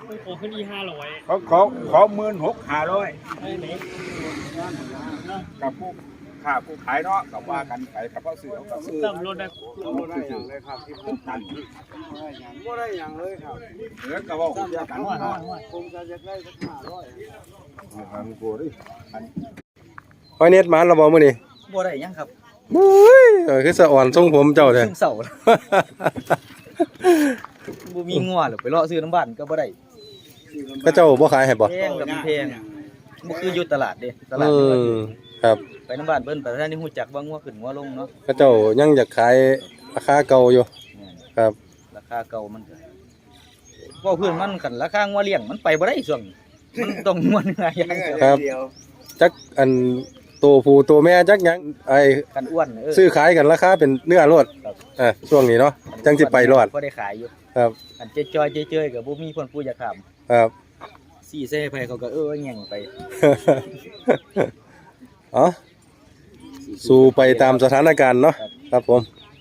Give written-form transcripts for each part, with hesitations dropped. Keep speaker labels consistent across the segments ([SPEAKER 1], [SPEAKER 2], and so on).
[SPEAKER 1] ขอขึ้นอี500
[SPEAKER 2] ขอ16,500กับผู้ค่าผู้ขายเนาะกับว่ากันไปกับพ่อซื้อเขาก็ซื้อ
[SPEAKER 1] ต่ำรถได้
[SPEAKER 2] บ่ได้อย่างเลยครับที่ผมนั่นบ่ได้อย่างเลยครับเหลือก็เว้ากันเนาะผมก็จะได้สัก500อันกูดิอัน
[SPEAKER 3] หอยเน็ตหมานเราบ่มื้อนี้
[SPEAKER 4] บ่ได้ยังครับ
[SPEAKER 3] โอ้ยคือสะอ่อนทรงผมเจ้าแท้
[SPEAKER 4] ซึ่งเสาบ่มีงัวหรอกไปเลาะซื้อน้ำบ้านก็บ่ได้
[SPEAKER 3] เขาเจ้าบ่ขายให้บ่
[SPEAKER 4] แพงกับแพงบ่คืออยู่ตลาดเด้ตลาดนี่ว่าอยู่
[SPEAKER 3] ครับ
[SPEAKER 4] ไปน้ำบ้านเพิ่นไปท่านนี่ฮู้จักว่างัวขึ้นงัวลงเนาะ
[SPEAKER 3] เขาเจ้ายังอยากขายราคาเก่าอยู่ครับ
[SPEAKER 4] ราคาเก่ามันก็ว่าเพื่อนมันกันราคางัวเลี้ยงมันไปบ่ได้ช่วงนี้มันต้องงัวเนื้ออย่างเดียว
[SPEAKER 3] ครับจักอันตัวผู้ตัวแม่จักหยังไอ้
[SPEAKER 4] กันอ้วน
[SPEAKER 3] ซื้อขายกันราคาเป็นเนื้อรวดช่วงนี้เนาะจังสิไปรอด
[SPEAKER 4] บ่ได้ขายอยู่
[SPEAKER 3] ครับ
[SPEAKER 4] อันเจ๊จ้อยเจ๊เจ้ยก็บ่มีคนผู้อยากถาม
[SPEAKER 3] ครับ
[SPEAKER 4] ซี่เซ่ไปเขาก็แย่งไป
[SPEAKER 3] อ๋อสู้ไปตามสถานการณ์เนาะครับผม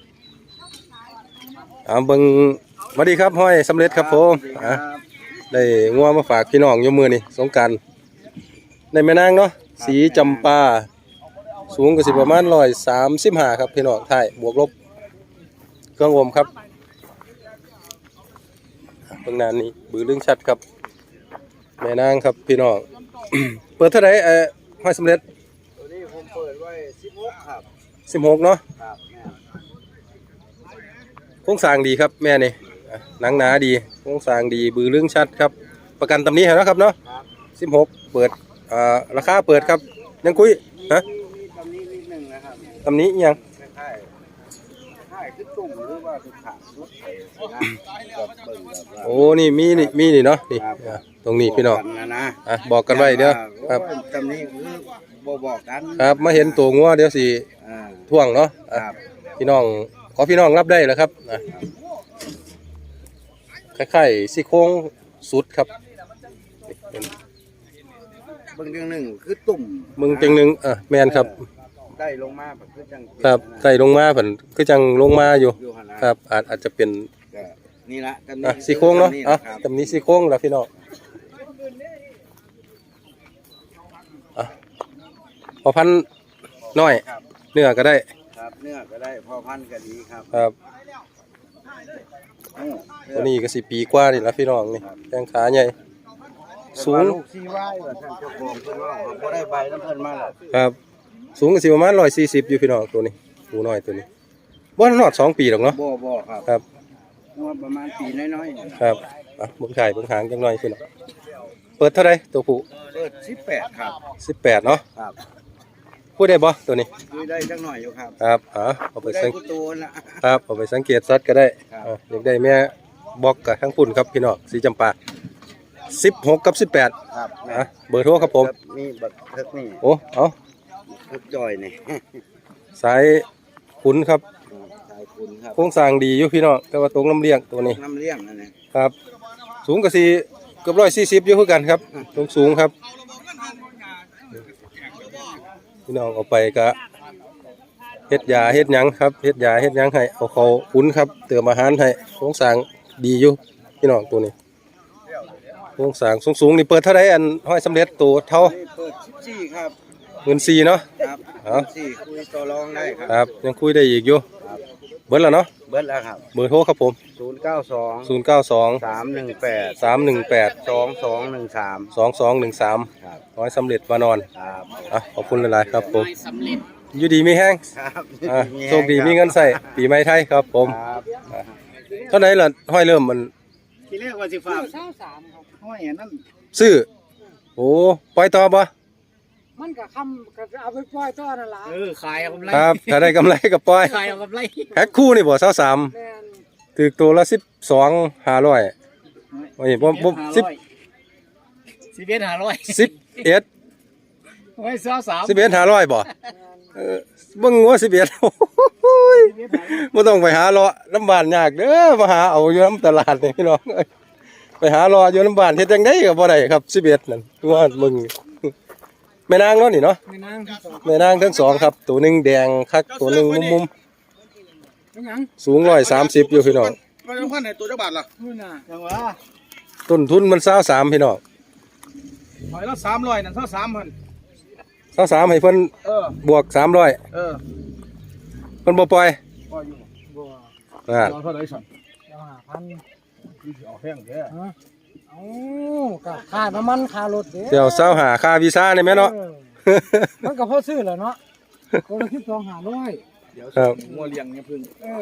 [SPEAKER 3] เบิ่งสวัสดีครับห้อยสำเร็จครับผมได้งัวมาฝากพี่น้องอยู่มื้อนี้สงกรานต์ในแม่นางเนาะสีจำปาสูงก็สิประมาณ135ครับพี่น้องท้ายบวกลบเครื่องอมครับเบิ่งหน้านี้บือลึงชัดครับแม่นางครับพี่น้อง เปิดเท่าไหร่ห้อยสำเร็จ
[SPEAKER 2] ตัวนี้ผมเปิดไว้16ครับ
[SPEAKER 3] 16เนาะ
[SPEAKER 2] ครับ
[SPEAKER 3] โครงสร้างดีครับแม่นี่หนังหนาดีโครงสร้างดีบือลึงชัดครับประกันตำหนิให้นะครับเนาะ16เปิดราคาเปิดครับยังคุยฮะ
[SPEAKER 2] มีตำนี้นิดนึงนะครับ
[SPEAKER 3] ตำหนิอิหยัง
[SPEAKER 2] คล้ายๆคือตุ่มหรือว่าคือขาสุดไทยนะแบบเบิ่งแบบว่า
[SPEAKER 3] โอ้นี่มีนี่เนาะนี่ตรงนี้พี่น้อง
[SPEAKER 2] นะ
[SPEAKER 3] บอกกันไว้เด้อครับ
[SPEAKER 2] ตำนี้คือบ่บอกกัน
[SPEAKER 3] ครับมาเห็นตัวงัวเดี๋ยวสิ
[SPEAKER 2] อ่า
[SPEAKER 3] ท่วงเนาะ
[SPEAKER 2] ครับ
[SPEAKER 3] พี่น้องขอพี่น้องรับได้แล้วครับคล้ายๆซี่โครงสุดครับ
[SPEAKER 2] เบิ่งเรื่องหนึงคือตุ่ม
[SPEAKER 3] มึงจังหนึงแม่นครับ
[SPEAKER 2] ได้ลงมาแบบคือจัง
[SPEAKER 3] ครับใส่ลงมาเพิ่นคือจังลงมาอยู่
[SPEAKER 2] อยู่หั่นนะครับ
[SPEAKER 3] อาจจะเป็น
[SPEAKER 2] ก็นี่ละตำนี้
[SPEAKER 3] ซี่โครงเนาะ
[SPEAKER 2] ครับ
[SPEAKER 3] ตำนี้ซี่โครงแล้วพี่น้องพอพันน้อย
[SPEAKER 2] ครับ
[SPEAKER 3] เนื้อก็ได้
[SPEAKER 2] ครับเนื้อก็ได้พอพันก็ดีครับ
[SPEAKER 3] ครับ
[SPEAKER 2] อืม
[SPEAKER 3] ตัวนี้ก็10 ปีกว่านี่ละพี่น้องนี่แข้งขาใหญ่สูง
[SPEAKER 2] ลูกซีไว้ว่าท่านเจ้าของเพิ่นว่าบ่ได้ใบน้ำเพิ่นมาแล้ว
[SPEAKER 3] ครับสูงก็สิประมาณ140อยู่พี่น้องตัวนี้ตัวน้อยตัวนี้บ่นอด2 ปีหรอกเนาะ
[SPEAKER 2] บ่ครับ
[SPEAKER 3] ครับ
[SPEAKER 2] ว่าประมาณปีน้อยๆ
[SPEAKER 3] ครับเบิ่งไข่เบิ่งหางจังหน่อยพี่น้องเปิดเท่าไหร่ตัวผู้
[SPEAKER 2] เปิด18ครับ
[SPEAKER 3] 18เนาะ
[SPEAKER 2] ครับ
[SPEAKER 3] พูดได้บ่ตัวนี้
[SPEAKER 2] คุยได้จักหน่อยอยู่ครับ
[SPEAKER 3] ครับเอาไป
[SPEAKER 2] ได้
[SPEAKER 3] สัง
[SPEAKER 2] กูตัวละ
[SPEAKER 3] ครับเอาไปสังเกตสัตว์ก็ได้
[SPEAKER 2] ครับ
[SPEAKER 3] อยากได้แม่บอกกับทั้งปุ่นครับพี่น้องสีจำปา16กับ18
[SPEAKER 2] ครับ
[SPEAKER 3] เบอร์โทรครับผม
[SPEAKER 2] มีบักเทิกนี่
[SPEAKER 3] โอ้เอา
[SPEAKER 2] เทิกจอยนี่
[SPEAKER 3] สายขุนครับ
[SPEAKER 2] ชายคุณครับ
[SPEAKER 3] โครงสร้างดีอยู่พี่น้องแต่ว่าตรงน้ำเลี้ยงตัวนี้
[SPEAKER 2] น้ำเลี้ยงนั่นนี่
[SPEAKER 3] ครับ สูงกับสี่เกือบ140อยู่คือกันครับสูงครับพี่น้องเอาไปก็เฮ็ดยาเฮ็ดหยังครับเฮ็ดยาเฮ็ดหยังให้เอาเขาขุนครับเติมอาหารให้โครงสร้างดีอยู่พี่น้องตัวนี้โครงสร้างสูงๆนี่เปิดเท่าไรอันห้อยสำเร็จตัวเท่า
[SPEAKER 2] นี่เปิด14ครับ
[SPEAKER 3] 14,000เนาะ
[SPEAKER 2] ครับ
[SPEAKER 3] เอา
[SPEAKER 2] 14คุยต่อรองได้ค
[SPEAKER 3] ครับ รับยังคุยได้อีกอยู่
[SPEAKER 2] ครับ
[SPEAKER 3] เบิดแล้วเนาะ
[SPEAKER 2] เบิดแล้วครับ
[SPEAKER 3] เบอร์โทรครับผม
[SPEAKER 2] 092
[SPEAKER 3] 092
[SPEAKER 2] 318
[SPEAKER 3] 318
[SPEAKER 2] 2213
[SPEAKER 3] 2213
[SPEAKER 2] ครับ
[SPEAKER 3] ห้อยสำเร็จวานอน
[SPEAKER 2] ครับ
[SPEAKER 3] ขอบคุณหลายๆครับผมอยู่ดีมีแห้ง
[SPEAKER 2] ครับ
[SPEAKER 3] โชคดีมีเงินใส่ปีใหม่ไทยครับผม
[SPEAKER 2] ครับ
[SPEAKER 3] เท่าไหร่ล่ะห้อยเริ่มมัน
[SPEAKER 2] ที่เรียกว่าสิฝาก23ครับห้อยอันนั้น
[SPEAKER 3] ซื้อโอ้ปล่อยต่อบ่
[SPEAKER 1] มันก็คำก็เอาไปปล่อยต่อนั่นล่ะ
[SPEAKER 4] ขายเอากำไร
[SPEAKER 3] ครับถ้าได้กำไรก็ปล่อย
[SPEAKER 4] ขายเอากำไร
[SPEAKER 3] แพ็คคู่นี่บ่23
[SPEAKER 1] แม่น
[SPEAKER 3] ถูกตัวละ12,500โอ้ยบ่10
[SPEAKER 4] 11,500
[SPEAKER 3] 11
[SPEAKER 4] ไว้23
[SPEAKER 3] 11,500บ่เบิ่งว่า11โอ้ยบ่ต้องไปหาเลาะน้ำบ้านยากเด้อมาหาเอาอยู่น้ำตลาดนี่พี่น้องเอ้ยไปหารออยู่น้ำบ้านเฮ็ดจังได๋ก็บ่ได้ครับ11นั่นว่ามึงแม่นางเนาะนี่เนาะ
[SPEAKER 1] ไม่นั่งที่สอง
[SPEAKER 3] แม่นางทั้งสองครับตัวหนึงแดงคักตัวหนึงมุม
[SPEAKER 1] ไม่นั่ง
[SPEAKER 3] ๆสูง130อยู่พี่น้อง
[SPEAKER 2] มันพันในตัวจักบาทล่ะ
[SPEAKER 1] นู่นน่ะ
[SPEAKER 2] จังหวะ
[SPEAKER 3] ต้นทุนมัน23พี่น้อง
[SPEAKER 4] หอยละ300นั่นเท่า3,000
[SPEAKER 3] 23ให้เพิ่น บวก300
[SPEAKER 4] เออ
[SPEAKER 3] เพิ่นบ่ปล่อย
[SPEAKER 4] บ่อยู่
[SPEAKER 1] บัว
[SPEAKER 3] อ่า
[SPEAKER 4] เอาเท่าไหร่สั่น
[SPEAKER 1] เดี๋ยว5,000
[SPEAKER 4] คือสิเอาแพงแท้
[SPEAKER 1] ฮะเอาก็ค่าน้ำมันค่ารถเด้
[SPEAKER 3] เดี๋ยว25ค่าวีซ่าได้แม่เนาะ
[SPEAKER 1] ออมันก็พอซื้อแหล้วเนาะคนละ12,500
[SPEAKER 4] เดี๋ยว
[SPEAKER 3] ครับ
[SPEAKER 4] งัวเลี้ยงเนี่ยพึ่ง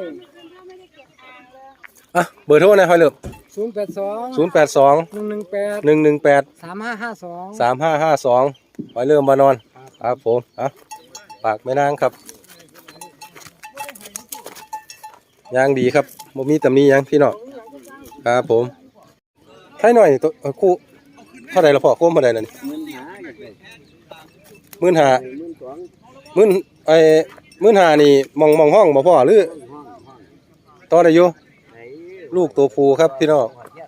[SPEAKER 3] อ่ะเบอร์โทรหน่อยห้อยเลิบ
[SPEAKER 1] 082
[SPEAKER 3] 082
[SPEAKER 1] 118
[SPEAKER 3] 118
[SPEAKER 1] 3552
[SPEAKER 3] 3552ห้อยเริ่มมานอนครับผมอ่ะฝากแม่นางครับย่างดีครับบ่มีตำหนิหยังพี่น้องครับผมให้หน่อยตัวคู่เท่าไหร่ละพ่อคู่เท่าไหร่นั่น15,00015,000นี่มองห้องบ่พ่อหรือต่อได้อยู่ลูกตัวผู้ครับพี่น้อง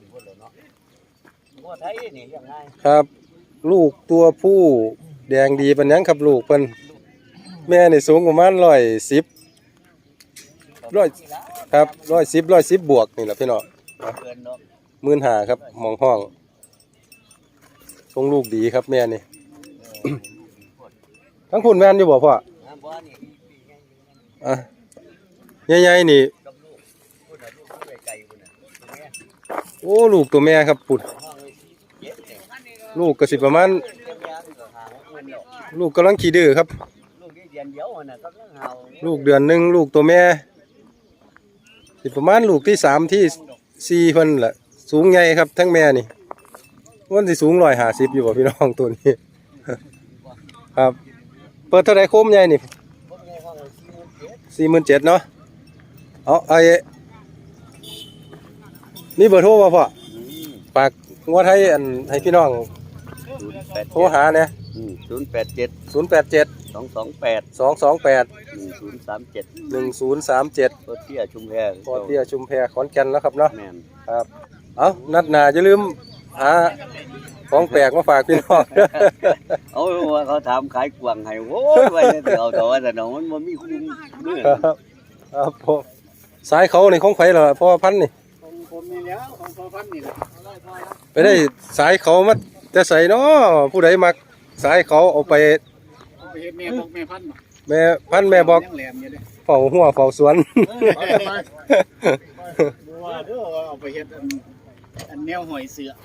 [SPEAKER 3] ครับ ลูกตัวผู้แดงดีปานยังครับลูกเพิ่นแม่นี่สูงประมาณ110ครับ110บวกนี่แหละพี่น้อง15,000ครับมองห้องทรงลูกดีครับแม่นี่ ทั้งคุณแม่นอยู่บ่พ่ออ่ะใหญ่ๆนี่โอ้ลูกตัวแม่ครับปุดลูกก็สิประมาณลูกกำลังขี้ดื้อครับลูกเดือนหนึ่งลูกตัวแม่สิประมาณลูกที่3ที่4เพิ่นแหละสูงใหญ่ครับทั้งแม่นี่วันสิสูง150อยู่บ่พี่น้องตัวนี้ ครับเปิดเท่าไหร่โคมใหญ่นี่47,000เนาะเอานี่เบอร์โทรบ่พ่อฝากงัวไทยอันให้พี่น้องโทรหาเนี่ย
[SPEAKER 2] 087
[SPEAKER 3] 087
[SPEAKER 2] 228
[SPEAKER 3] 228
[SPEAKER 2] 1037
[SPEAKER 3] 1037
[SPEAKER 2] รถเที่ยชุมแพ
[SPEAKER 3] พอเตี้ยชุมแพขอนแก่นแล้วครับเนาะ
[SPEAKER 2] แม่น
[SPEAKER 3] ครับเอานัดหน้าอย่าลืมหาของแปลกมาฝากพี่น้อง
[SPEAKER 2] เอาว่าเขาถามขายกวางให้โว้ยไว้เอาแต่ว่าแต่น้องมันบ่มีคุ้มมื้อ
[SPEAKER 3] ครับผมสายเขาในของไฟเหรอพ่อพันธุ์นี่
[SPEAKER 1] ผมมีแล้วของพอพันนี่แหละ
[SPEAKER 3] ไปได้สายเขามาจะใส่เนาะผู้ใดมักสายเขาเอาไป
[SPEAKER 1] ไปเฮ็ดแม่บอกแม่พันธุ์
[SPEAKER 3] แม่พันธุ์แม่บอก
[SPEAKER 1] ยังแหลมอยู่เด้
[SPEAKER 3] เฝ้าหัวเฝ้าสวน
[SPEAKER 1] บ่ว่าเด้อเอาไปเฮ็ดอันแนวหอยเสือ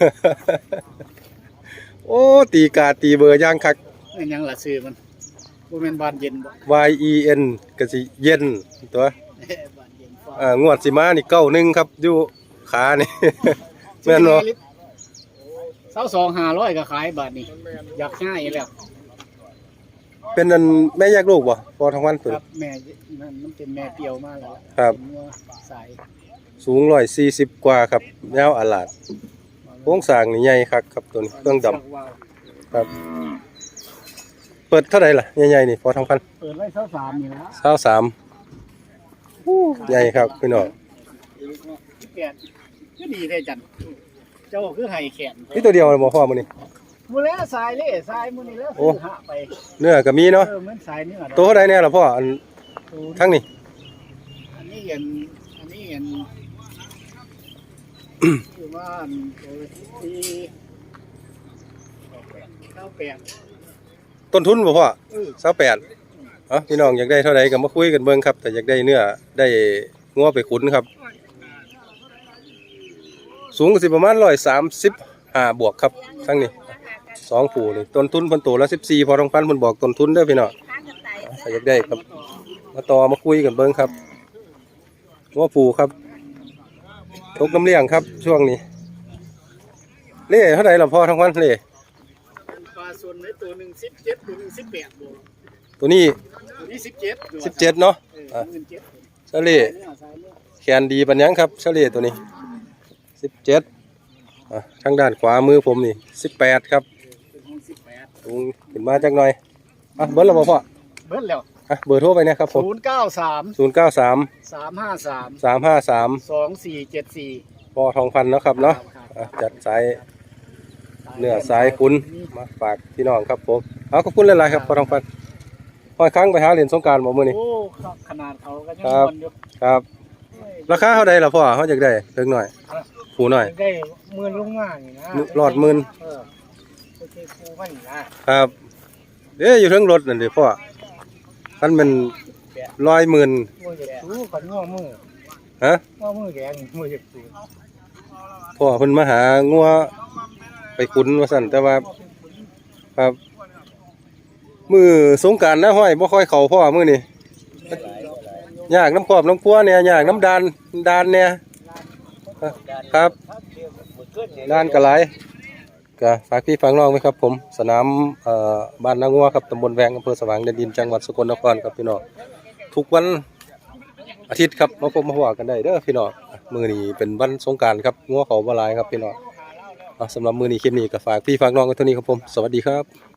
[SPEAKER 3] โอ้ตีกาตีเบอร์ย่างคัก
[SPEAKER 1] นั่นยังล่ะซื้อมันบ่แม่นบานเย็นบ่
[SPEAKER 3] YEN ก็สิเย็นตัว
[SPEAKER 1] บานเย็นฟ้าง
[SPEAKER 3] วดสิมานี่91ครับอยู่ขานี่ แม่นบ่
[SPEAKER 1] 22,500ก็ขายบาทนี่อยากง่ายแล้ว
[SPEAKER 3] เป็นอันแม่แยกลูกบ่พอทั้งวันเพิ่น
[SPEAKER 1] ครับแม่มันเป็นแม่เปรียวมาแล้ว
[SPEAKER 3] ครับ
[SPEAKER 1] เป็นงัวสาย
[SPEAKER 3] สูง140กว่าครับยาวอาลาดโครงสร้างนี่ใหญ่คักครับตัวนี้เครื่องดำครับ เปิดเท่าไหร่ล่ะใหญ่ๆนี่พอทั้งพัน
[SPEAKER 1] เปิดไว้23นี่ละ
[SPEAKER 3] 23ใหญ่ครับพี่น้อง
[SPEAKER 1] แขนก็ดีแท้จันเจ้าคือให้แขน
[SPEAKER 3] นี่ตัวเดียวเลยบ่พ่อมื้อนี้
[SPEAKER 1] มื้อแล้วสายเล่สายมื้อนี้แล้ว
[SPEAKER 3] โอ้
[SPEAKER 1] ซื้อหาไป
[SPEAKER 3] เนื้อก็มีเนาะ
[SPEAKER 1] เหมือนสายเนื้อ
[SPEAKER 3] ตัวเท่าใดแน่ล่ะพ่ออันทั้งนี้
[SPEAKER 1] อันนี้เห็นคือว่าอันตัวที่98
[SPEAKER 3] ต้นทุนบ่พ่อ28เอ้าพี่น้องอยากได้เท่าใดก็มาคุยกันเบิ่งครับแต่อยากได้เนื้อได้งัวไปขุนครับ สูงก็สิประมาณ135บวกครับทั้งนี้2ผู้นี่ต้นทุนเพิ่นโตละ14พอทองพันเพิ่นบอกต้นทุนเด้อพี่น้องถ้าอยากได้ครับมาต่อมาคุยกันเบิ่งครับงัวผู้ครับตกน้ำเลี้ยงครับช่วงนี้เล่เท่าใดล่ะพ่อทองพันเล่
[SPEAKER 1] ปลาส่วนในตัวหนึ่ง17ตัวหนึ่ง18บวก
[SPEAKER 3] ตัวนี้
[SPEAKER 1] ตัวนี้17
[SPEAKER 3] 17เนาะเฉลี่ยแขนดีปัญญังครับเฉลี่ยตัวนี้17ทางด้านขวามือผมนี่18ครับสูงขึ้นมาจักหน่อยเบิดแล้วบ่พ่อ
[SPEAKER 1] เบิ้ลแล้ว
[SPEAKER 3] เบอร์โทรไปนะครับผม
[SPEAKER 1] 093
[SPEAKER 3] 093
[SPEAKER 1] 353
[SPEAKER 3] 353
[SPEAKER 1] 2474
[SPEAKER 3] พ่อทองพันเนาะครับเนาะจัดสายเนื้อสายคุณมาฝากพี่น้องครับผมขอบคุณหลายๆครับพ่อทองพันพอยครั้งไปหาเหรียญสงกรานต์บ่มื้อนี้
[SPEAKER 1] โอ้ขนาดเขาก็ยัง
[SPEAKER 3] ครับ
[SPEAKER 1] นอยู่
[SPEAKER 3] ครับราคาเท่าใดล่ะพ่อเฮาอยากได้เพิ่งหน่อยผูน้อย
[SPEAKER 1] ได้หมื่นลงมานี่นะ
[SPEAKER 3] รอดหมื่น
[SPEAKER 1] เออโอเคครูมันนะครับ
[SPEAKER 3] เด้อยู่เทั้งรถนั่นดิพ่อคันเป็น110,000
[SPEAKER 1] มืออยากสู้กันง้อมือ
[SPEAKER 3] ฮะ
[SPEAKER 1] ง้อมือแดงมืออยากสู้
[SPEAKER 3] พ่อเพิ่นมาหางัวไปขุนว่าซั่นแต่ว่าครับมือสงกรานต์นะห้อยบ่ค่อยเข้าพ่อมื้อนี้ยากน้ำครอบน้ำพัวเนี่ยยากน้ำดานเนี่ยครับด้านก็หลายก็ฝากพี่ฝากน้องไว้ครับผมสนามบ้านนางัวครับตำบลแวงอำเภอสว่างแดนดินจังหวัดสกลนครครับพี่น้องทุกวันอาทิตย์ครับมาพบมาว่ากันได้เด้อพี่น้องมื้อนี้เป็นวันสงกรานต์ครับงัวเขาบ่หลายครับพี่น้องสำหรับมื้อนี้คลิปนี้ก็ฝากพี่ฝากน้องไว้เท่านี้ครับผมสวัสดีครับ